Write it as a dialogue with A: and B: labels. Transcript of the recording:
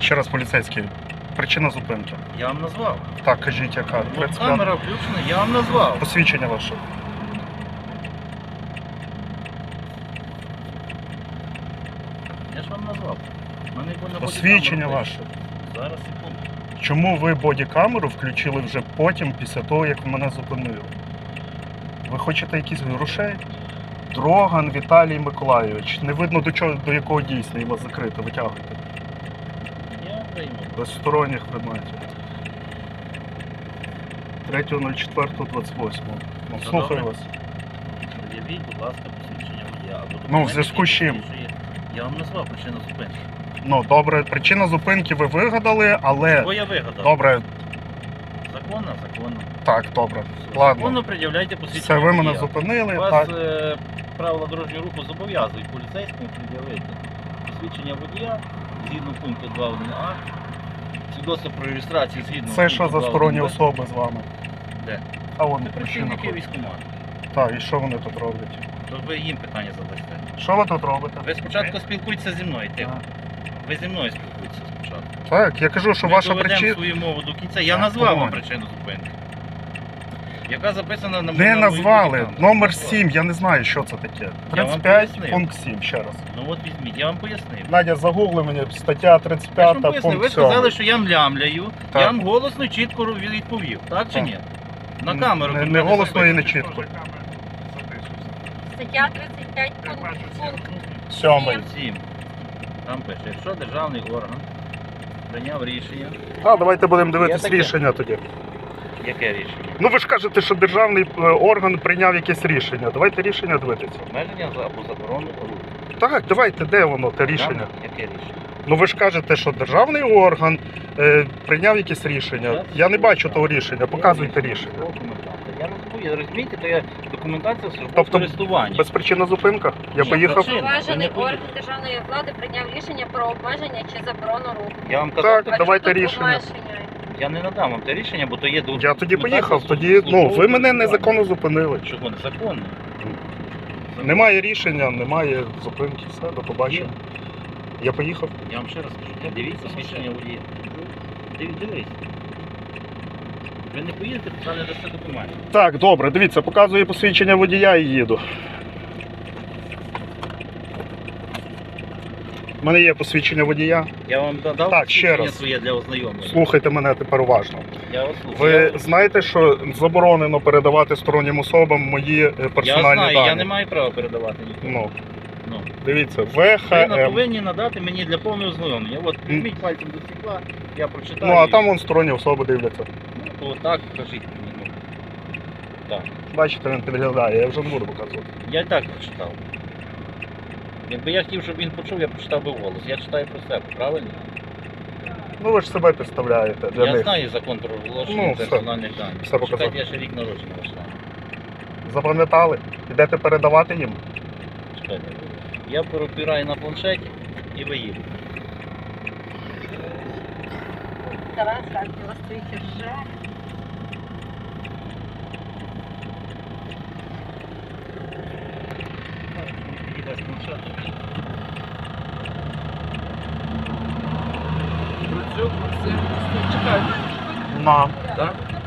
A: Ще раз, поліцейський. Причина зупинки.
B: Я вам назвав.
A: Так, кажіть, яка?
B: От
A: 35.
B: камера включена, я вам назвав.
A: Посвідчення ваше.
B: Я ж вам назвав. В мене на
A: Посвідчення
B: бодікамеру
A: ваше.
B: стоїть. Зараз, секунду.
A: Чому ви бодікамеру включили вже потім, після того, як мене зупинили? Ви хочете якісь грошей? Дроган Віталій Миколайович. Не видно до якого дійсно, і вас закрито. Витягуйте.
B: Я прийму.
A: Без сторонніх предметів. 3.04.28. Ну, слухаю
B: добре.
A: вас.
B: Пред'явіть, будь ласка, посвідчення водія. Або
A: Ну, в
B: документи,
A: зв'язку з
B: які
A: чим?
B: підтверджує. Я вам назвав причину зупинки.
A: Ну, добре, причина зупинки ви вигадали, але...
B: Бо я вигадав.
A: Добре,
B: Законно, законно.
A: так, добре. Ладно.
B: Законно пред'являйте
A: Все,
B: посвідчення
A: ви мене
B: водія.
A: зупинили,
B: Вас
A: так.
B: правила дорожнього руху зобов'язують поліцейському пред'явити посвідчення водія згідно пункту 2.1а, свідоцтво про реєстрацію згідно
A: Це що
B: пункту
A: за сторонні
B: 2.1б.
A: особи з вами?
B: Де?
A: А вони
B: Це
A: причина.
B: працівники військкомату.
A: Так, і що вони тут роблять?
B: То ви їм питання задасте.
A: Що ви тут робите?
B: Ви спочатку спілкуйтеся зі мною, тихо.
A: Так.
B: Ви зі мною спілкуйтеся спочатку.
A: Так, я кажу, що
B: Ми
A: ваша
B: доведемо
A: причина...
B: свою мову до кінця. Я
A: Так,
B: назвав вам
A: давай.
B: причину зупинки. Яка записана на
A: Не
B: моїй
A: назвали.
B: бодікамері.
A: Номер
B: Назвав.
A: 7, я не знаю, що це таке.
B: Я вам
A: 35,
B: пояснив.
A: пункт 7, ще раз.
B: Ну от візьміть, я вам пояснив.
A: Надя, загугли мені, стаття
B: Я ж
A: 35,
B: вам пояснив, ви
A: пункт
B: сказали,
A: 7.
B: що я млямляю,
A: Так.
B: я вам голосно і чітко відповів, так чи
A: Так.
B: ні? На камеру.
A: Не
B: тут
A: голосно
B: записано.
A: і не чітко.
C: Стаття 35, пункт
A: 7.
B: 7. Там пише, якщо державний орган прийняв рішення.
A: А, давайте будемо дивитись
B: таке.
A: рішення тоді.
B: Яке рішення?
A: Ну ви ж кажете, що державний орган прийняв якесь рішення. Давайте рішення дивитися.
B: Обмеження або заборону руху.
A: Так, давайте, де воно, те рішення?
B: Там яке рішення?
A: Ну ви ж кажете, що державний орган прийняв якесь рішення. Я не бачу того рішення, показуйте рішення.
B: Я не забув, розумієте, то є документація службового
A: Тобто
B: користування.
A: Безпричинна зупинка? Я
B: Ні,
A: поїхав.
B: причина.
C: Поважений
B: Ви не
C: орган державної влади прийняв рішення про обмеження чи заборону руху.
B: Я вам казав,
A: Так,
B: так,
A: давайте
C: чого тут
A: рішення.
C: обмеження?
B: я не надам вам те рішення, бо то є
A: Я тоді поїхав, тоді,
B: службового
A: ну, ви мене
B: користування.
A: незаконно зупинили.
B: Чого незаконно?
A: Немає рішення, немає зупинки, все, до побачення. Я поїхав.
B: Я вам ще раз кажу, дивіться свідчення водія. Дивись. Ви не поїдете, поки не дасте документів.
A: Так, добре, дивіться, показує посвідчення водія і їду. У мене є посвідчення водія.
B: Я вам дав
A: Так, ще
B: посвідчення
A: раз.
B: своє для ознайомлення.
A: Слухайте мене тепер уважно.
B: Я вас слухаю.
A: Ви знаєте, що заборонено передавати стороннім особам мої
B: Я
A: персональні
B: знаю,
A: дані?
B: я не маю права передавати нікому.
A: Ну,
B: Ну.
A: дивіться,
B: Ви
A: ВХМ.
B: повинні надати мені для повного ознайомлення. От візьміть пальцем до стекла, я прочитаю.
A: Ну, а
B: і-
A: там вон сторонні особи дивляться.
B: Ну, то так, кажіть мені. Ну. Так.
A: Бачите, він підглядає, я вже не буду показувати.
B: Я і так прочитав. Якби я хотів, щоб він почув, я прочитав би голос. Я читаю про себе, правильно?
A: Ну ви ж себе підставляєте для
B: Я
A: них.
B: знаю закон про розголошення
A: Ну, все.
B: персональних даних.
A: Все показав.
B: Чекайте, я ще рік народження ваш.
A: Запам'ятали? Ідете передавати їм?
B: Чекайте. Я перепираю на планшеті і ви їдете.
C: Тарас, як у вас стоїть рже.
B: Підійде з планшетом.
D: Процюк Максим, чекайте.
A: На.
B: Так?